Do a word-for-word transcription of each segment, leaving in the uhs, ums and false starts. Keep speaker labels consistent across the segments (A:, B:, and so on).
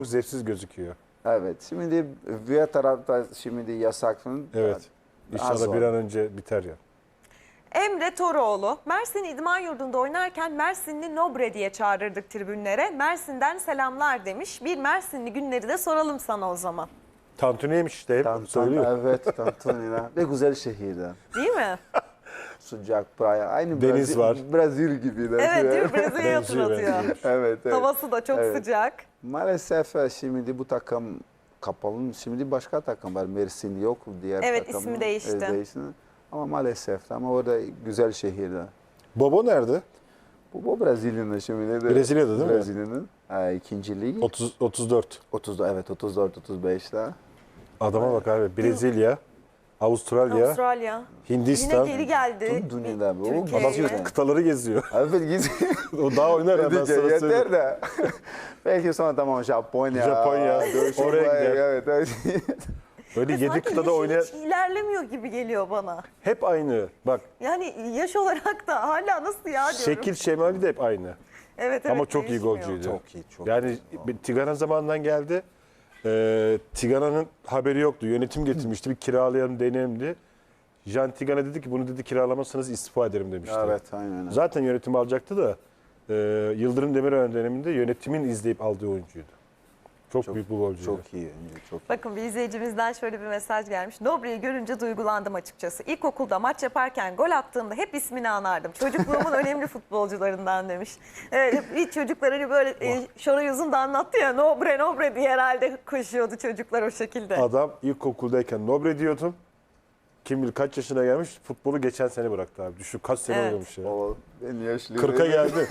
A: zevksiz gözüküyor.
B: Evet. Şimdi diğer tarafta şimdi yasak.
A: Evet. İnşallah bir an önce biter ya.
C: Emre Toroğlu, Mersin İdman Yurdu'nda oynarken Mersinli Nobre diye çağırırdık tribünlere. Mersin'den selamlar demiş. Bir Mersinli günleri de soralım sana o zaman.
A: Tantuniymiş işte hep
B: Tan-
A: söylüyor.
B: tan- Evet, Tantuni'de. Ve güzel şehirde.
C: Değil mi?
B: Sıcak, playa. Aynı
A: Deniz
B: Brezil,
A: var.
B: Brezilya gibi. De.
C: Evet, değil mi? Brezilya'yı
A: Benziyor,
C: hatırlatıyor.
A: benziyor.
B: Evet, evet.
C: Havası da çok
B: Evet.
C: sıcak.
B: Maalesef şimdi bu takım kapalı. Şimdi başka takım var. Mersin yok. Diğer
C: Evet,
B: takım,
C: ismi değişti.
B: e, değişti. Ama maalesef. Ama orada güzel şehirde.
A: Bobo nerede?
B: Bu, bu Brezilya'nın şimdi. De,
A: Brezilya'da değil mi?
B: Brezilya'nın e, ikinci lig.
A: otuz, otuz dört.
B: otuz, evet, otuz dört otuz beşte.
A: Adama bak abi. Brezilya, Avustralya,
C: Avustralya.
A: Hindistan.
C: Yine geri geldi.
B: Tüm dünyada bu.
C: Türkiye'ye.
A: Adam
B: Geziyor.
A: kıtaları geziyor.
B: Evet, git.
A: O daha oynar ya ben
B: Yeter
A: sana söyleyeyim.
B: yeter de. Belki sonra tamam Japonya.
A: Japonya,
B: Dövüşüm
A: oraya
B: var,
A: gider.
B: Evet, evet.
A: Öyle yedi
C: Sanki
A: kıtada
C: yaşı
A: oynayan
C: hiç ilerlemiyor gibi geliyor bana.
A: hep aynı. Bak
C: Yani yaş olarak da hala nasıl ya diyorum.
A: şekil şemali de hep aynı.
C: Evet, evet,
A: Ama çok iyi
C: değişmiyor.
A: golcüydü.
B: Çok iyi, çok
A: Yani bir Tigana zamanından geldi. Ee, Tigana'nın haberi yoktu. Yönetim getirmişti. Bir kiralayalım deneyelim diye. Jean Tigana dedi ki bunu dedi kiralamazsanız istifa ederim demişti.
B: Evet, aynen.
A: Zaten yönetim alacaktı da e, Yıldırım Demirören döneminde yönetimin izleyip aldığı oyuncuydu. Çok,
B: Çok-
A: büyük bir golcüydü.
B: Çok iyi. Çok iyi.
C: Bakın bir izleyicimizden şöyle bir mesaj gelmiş. Nobre'yi görünce duygulandım açıkçası. İlkokulda maç yaparken gol attığımda hep ismini anardım. Çocukluğumun önemli futbolcularından demiş. Evet, bir çocuklar hani böyle e, Şoray Uzun da anlattı ya, Nobre Nobre diye herhalde koşuyordu çocuklar o şekilde.
A: Adam ilkokuldayken Nobre diyordum. Kim bilir kaç yaşına gelmiş, futbolu geçen sene bıraktı abi. Düşün kaç sene
C: Evet.
A: oynamış ya.
B: O en yaşlı.
A: kırka geldi.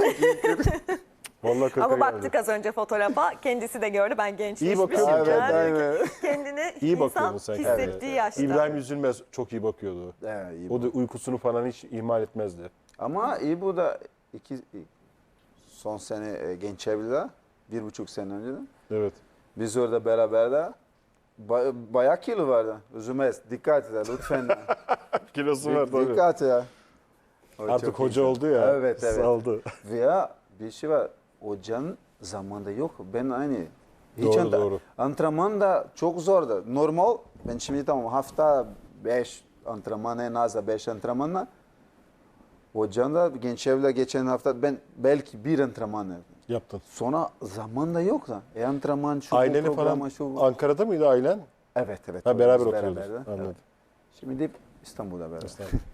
A: Vallahi kırka
C: Ama
A: geldi.
C: baktık az önce fotoğrafa, kendisi de gördü, ben gençleşmişim.
A: bakıyor mu?
B: Evet,
C: Yani
B: aynen.
C: kendini
A: İyi
C: insan
A: bakıyordun sen
C: hissettiği
A: kendine.
C: yaşta.
A: İbrahim Üzülmez çok iyi bakıyordu.
B: Evet, iyi
A: O
B: bu.
A: da uykusunu falan hiç ihmal etmezdi.
B: Ama iyi bu da iki, son sene e, genç evlide. Bir buçuk sene önceden.
A: Evet.
B: Biz orada beraber de ba- bayağı kilo vardı. Üzülmez. Dikkat et lütfen.
A: Kilosu var tabii.
B: Dikkat ya. O
A: Artık
B: çok
A: hoca
B: iyi.
A: oldu ya.
B: Evet, evet.
A: Saldı.
B: Veya bir şey var. Hocanın zamanında yok. Ben aynı. Hiç
A: Doğru,
B: ant-
A: doğru.
B: Antrenman da çok zordu. Normal. Ben şimdi tamam hafta beş antrenman en az da beş antrenmanla. Hocanın da genç evle geçen hafta ben belki bir antrenman yaptım.
A: Yaptın.
B: Sonra zaman da yok da. E antrenman şu bu,
A: Aileni
B: programa
A: falan
B: şu bu.
A: Ankara'da mıydı ailen?
B: Evet, evet.
A: Ha,
B: orada
A: beraber
B: biz
A: oturuyordunuz.
B: beraber de.
A: Anladım.
B: Evet. Şimdi de İstanbul'da beraber.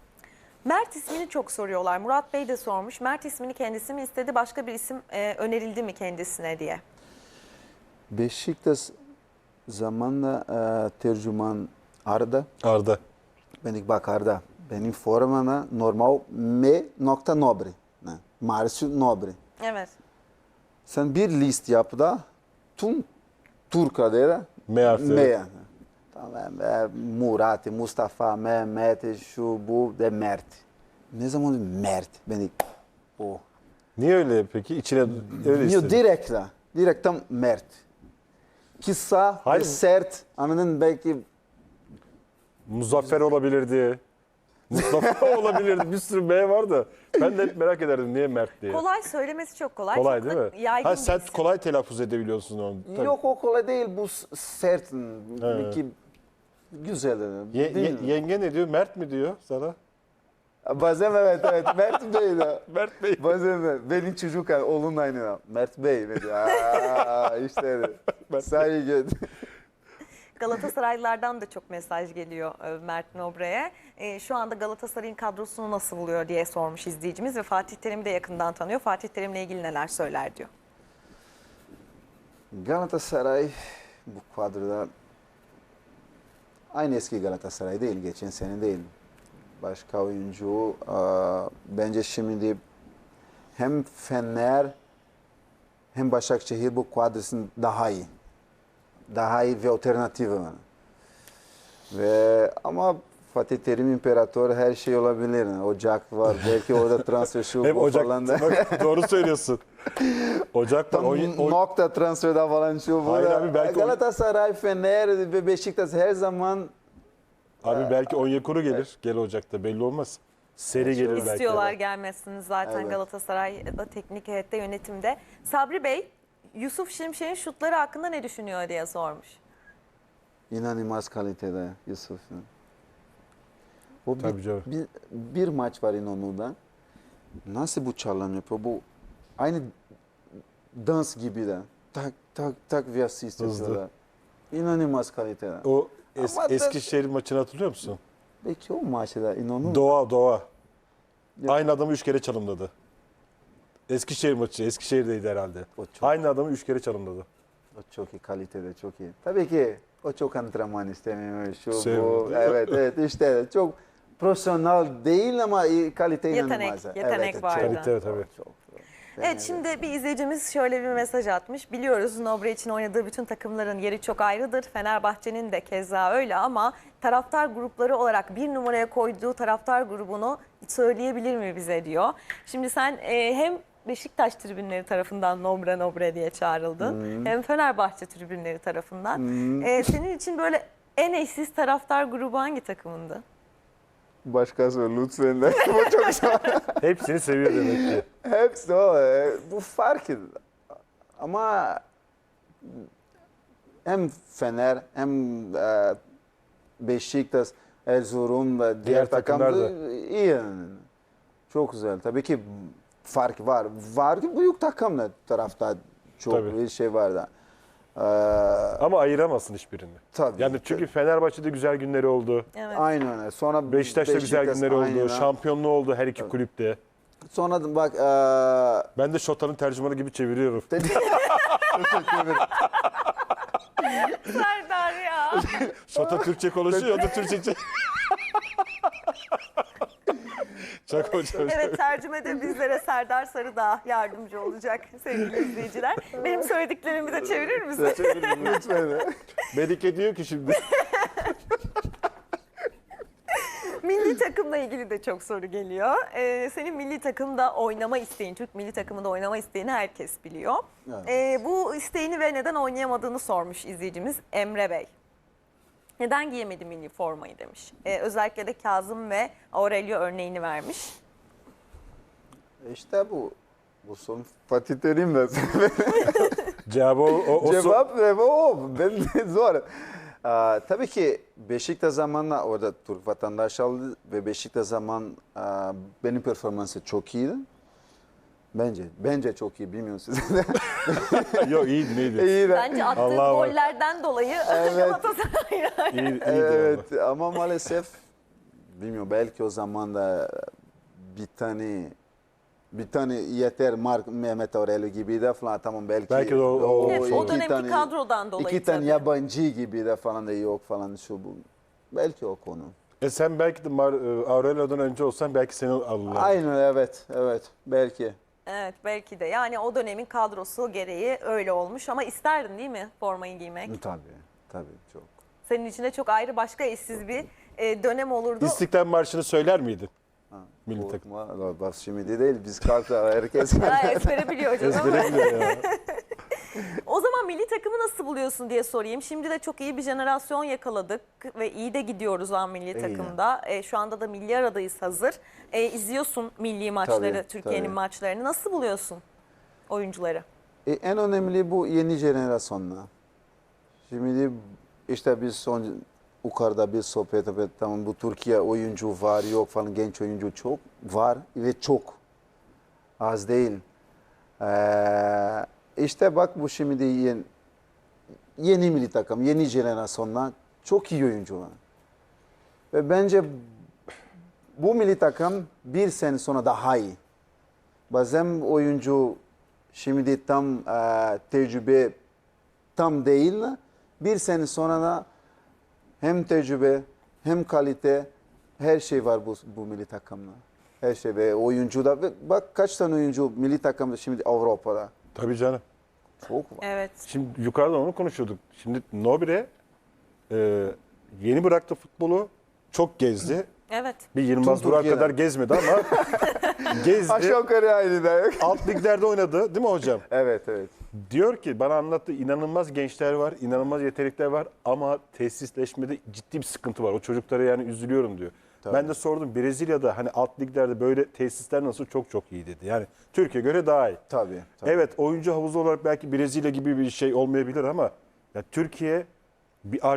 C: Mert ismini çok soruyorlar. Murat Bey de sormuş. Mert ismini kendisi mi istedi, başka bir isim e, önerildi mi kendisine diye.
B: Beşiktaş zamanla e, tercüman Arda.
A: Arda.
B: Ben ilk bak Arda. Benim formana normal M nokta Nobre. Ne? Márcio Nobre.
C: Evet.
B: Sen bir list yap da tüm Türk adıyla
A: M harfi.
B: M. Tamam. E, Murat, Mustafa, Mehmet, şu bu de Mert. Ne zaman Mert? Ben ilk o.
A: Niye öyle peki? İçine öyle
B: Yok,
A: istedin.
B: direkt la. Direkt tam Mert. Kısa
A: Hayır.
B: ve sert. Anladın belki
A: Muzaffer olabilirdi. Mustafa olabilirdi. Bir sürü M var da. Ben de hep merak ederdim niye Mert diye.
C: Kolay, söylemesi çok kolay.
A: Kolay
C: çok
A: değil
C: da
A: mi?
C: yaygın
A: Ha,
C: bir
A: sen
C: isim.
A: kolay telaffuz edebiliyorsun onu. Tabii.
B: yok o kolay değil bu s- sert.
A: Evet.
B: Ki güzel.
A: Ye-
B: değil.
A: ye- yenge ne diyor? Mert mi diyor sana?
B: Bazen evet evet Mert Bey de.
A: Mert Bey.
B: Bazen evet. Benim çocuk oğlum aynı. Mert Bey ne diyor? Aa, işte saygı.
C: Galatasaraylılardan da çok mesaj geliyor e, Mert Nobre'ye. E, şu anda Galatasaray'ın kadrosunu nasıl buluyor diye sormuş izleyicimiz ve Fatih Terim'i de yakından tanıyor. Fatih Terim'le ilgili neler söyler diyor.
B: Galatasaray bu kadroda aynı eski Galatasaray değil, geçen sene değil. Başka oyuncu aa, bence şimdi hem Fener hem Başakşehir bu kadrosun daha iyi. Daha iyi ve alternatifi var. Ve ama Fatih Terim İmparator her şey olabilir. Ocak var, belki orada transfer şu
A: Hep
B: bu
A: Ocak.
B: falan da.
A: Bak, doğru söylüyorsun. Ocak var.
B: Tam
A: Oy- oy-
B: nokta transferde falan şu bu.
A: Hayır
B: da.
A: abi, belki o-
B: Galatasaray, Fener ve Beşiktaş her zaman
A: Abi belki Onyekuru gelir. Gel Ocak'ta belli olmaz. Seri gelir belki.
C: İstiyorlar gelmesini zaten
B: Evet.
C: Galatasaray'da teknik heyette, yönetimde. Sabri Bey Yusuf Şimşek'in şutları hakkında ne düşünüyor diye sormuş.
B: İnanılmaz kalitede Yusuf'un. O
A: Tabii
B: bir,
A: canım.
B: bir, bir maç var İnönü'de. Nasıl bu çalım yapıyor? Bu aynı dans gibi de. Tak tak tak bir asist
A: Hızlı.
B: yapıyorlar. İnanılmaz kalitede.
A: O es,
B: Ama da-
A: Eskişehir maçını hatırlıyor musun?
B: Belki o maçta İnönü
A: Doğa Doğa.
B: Ya-
A: Aynı adamı üç kere çalımladı. Eskişehir maçı. Eskişehir'deydi herhalde.
B: O çok,
A: Aynı adamı üç kere çalımladı.
B: o çok iyi kalitede, çok iyi. Tabii ki o çok antrenman istemiyor. Şu
A: Sevmiyor,
B: bu.
A: değil mi?
B: Evet evet işte çok profesyonel değil ama iyi, kalite
C: Yetenek,
B: inanılmaz.
C: yetenek
B: evet,
C: var
B: Çok,
C: da.
A: Kalite tabii.
B: çok, çok.
C: Evet, şimdi bir izleyicimiz şöyle bir mesaj atmış. Biliyoruz Nobre için oynadığı bütün takımların yeri çok ayrıdır. Fenerbahçe'nin de keza öyle ama taraftar grupları olarak bir numaraya koyduğu taraftar grubunu söyleyebilir mi bize diyor. Şimdi sen e, hem Beşiktaş tribünleri tarafından Nobre Nobre diye çağrıldın. Hem Fenerbahçe tribünleri tarafından. E, senin için böyle en eşsiz taraftar grubu hangi takımındı?
B: Başkası lütfen de. Bu çok zor.
A: Hepsini seviyor demek ki.
B: Hepsi o. e, Bu fark. Ama hem Fener hem e, Beşiktaş, Erzurum ve diğer,
A: Diğer takımlar
B: takımlar
A: da.
B: iyi. yani. Çok güzel. Tabii ki fark var. Var ki büyük takımlar tarafta çok
A: Tabii.
B: bir şey var da. Ee,
A: Ama ayıramazsın hiçbirini.
B: tabii.
A: Yani çünkü Fenerbahçe'de güzel günleri oldu.
C: Evet.
B: Aynen öyle. Sonra
A: Beşiktaş'ta güzel
B: Beşiktaş,
A: günleri oldu.
B: aynen.
A: Şampiyonluğu oldu her iki kulüpte.
B: Sonra da bak e,
A: Ben de Şota'nın tercümanı gibi çeviriyorum.
C: Serdar ya.
A: Şota Türkçe konuşuyor, o da Türkçe çeviriyor. Çok hocam.
C: Evet, tercümede bizlere Serdar Sarıdağ yardımcı olacak sevgili izleyiciler. Benim söylediklerimi de çevirir misin?
B: lütfen.
A: Melike diyor ki şimdi.
C: Milli takımla ilgili de çok soru geliyor. Ee, senin milli takımda oynama isteğin, Türk milli takımında oynama isteğini herkes biliyor.
B: Evet.
C: Ee, bu isteğini ve neden oynayamadığını sormuş izleyicimiz Emre Bey. Neden giyemedi milli formayı demiş. Ee, özellikle de Kazım ve Aurelio örneğini vermiş.
B: İşte bu. Bu son Fatih Terim de.
A: Cevabı o, o, o so-
B: Cevap ve o. Ben de zor. Aa, tabii ki Beşiktaş zamanla orada Türk vatandaş aldı ve Beşiktaş zaman aa, benim performansı çok iyiydi. Bence. Bence çok iyi. Bilmiyorum siz de.
A: Yok iyiydi neydi?
B: İyi de.
C: Bence attığı
A: Allah'a bak.
C: gollerden dolayı
B: Evet.
C: Galatasaray'a.
A: İyi, iyiydi
B: Evet ama maalesef bilmiyorum belki o zaman da bir tane bir tane yeter Mark Mehmet Aurelio gibi de falan tamam belki,
A: Belki de o- o-
C: Evet, o
B: iki
C: dönemki
B: tane-
C: kadrodan dolayı
B: iki tane
C: tabii.
B: yabancı gibi de falan da yok falan şu bu. Belki o konu.
A: E sen belki de Mar- e, Aurelio'dan önce olsan belki seni alırlar.
B: Aynen evet evet belki.
C: Evet, belki de. Yani o dönemin kadrosu gereği öyle olmuş ama isterdin değil mi formayı giymek?
B: Tabii tabii çok.
C: Senin için de çok ayrı başka eşsiz bir e, dönem olurdu.
A: İstiklal Marşı'nı söyler miydin?
B: Ha,
A: Milli
B: bu-
A: takım.
B: ma- Bak şimdi değil biz kalkta herkes.
C: Ha, ezbere biliyor canım.
A: Ezbere biliyor ya.
C: O zaman milli takımı nasıl buluyorsun diye sorayım. Şimdi de çok iyi bir jenerasyon yakaladık ve iyi de gidiyoruz an milli
B: İyi.
C: takımda. E, şu anda da milli aradayız hazır. E, izliyorsun milli maçları,
B: Tabii,
C: Türkiye'nin
B: tabii.
C: maçlarını. Nasıl buluyorsun oyuncuları?
B: E, en önemli bu yeni jenerasyonla. Şimdi işte biz son yukarıda bir sohbet ettik. Tamam bu Türkiye oyuncu var yok falan genç oyuncu çok var ve çok az değil. Ee, işte bak bu şimdi yeni, yeni milli takım, yeni jenerasyonla çok iyi oyuncu var. Ve bence bu milli takım bir sene sonra daha iyi. Bazen oyuncu şimdi tam e, tecrübe tam değil. Bir sene sonra da hem tecrübe hem kalite her şey var bu, bu milli takımda. Her şey ve oyuncu da ve bak kaç tane oyuncu milli takımda şimdi Avrupa'da.
A: Tabii canım.
B: Çok var.
C: Evet.
A: Şimdi yukarıdan onu konuşuyorduk. Şimdi Nobre e, yeni bıraktı futbolu. Çok gezdi.
C: Evet.
A: Bir Yılmaz
B: Tüm
A: Vural
B: Türkiye'den.
A: kadar gezmedi ama gezdi.
B: Aşağı yukarı aynı da yok.
A: Alt liglerde oynadı değil mi hocam?
B: Evet evet.
A: Diyor ki bana anlattı, inanılmaz gençler var, inanılmaz yetenekler var ama tesisleşmede ciddi bir sıkıntı var. O çocuklara yani üzülüyorum diyor.
B: Tabii.
A: Ben de sordum Brezilya'da hani alt liglerde böyle tesisler nasıl, çok çok iyi dedi. Yani Türkiye göre daha iyi.
B: Tabii. tabii.
A: Evet, oyuncu havuzu olarak belki Brezilya gibi bir şey olmayabilir ama ya Türkiye bir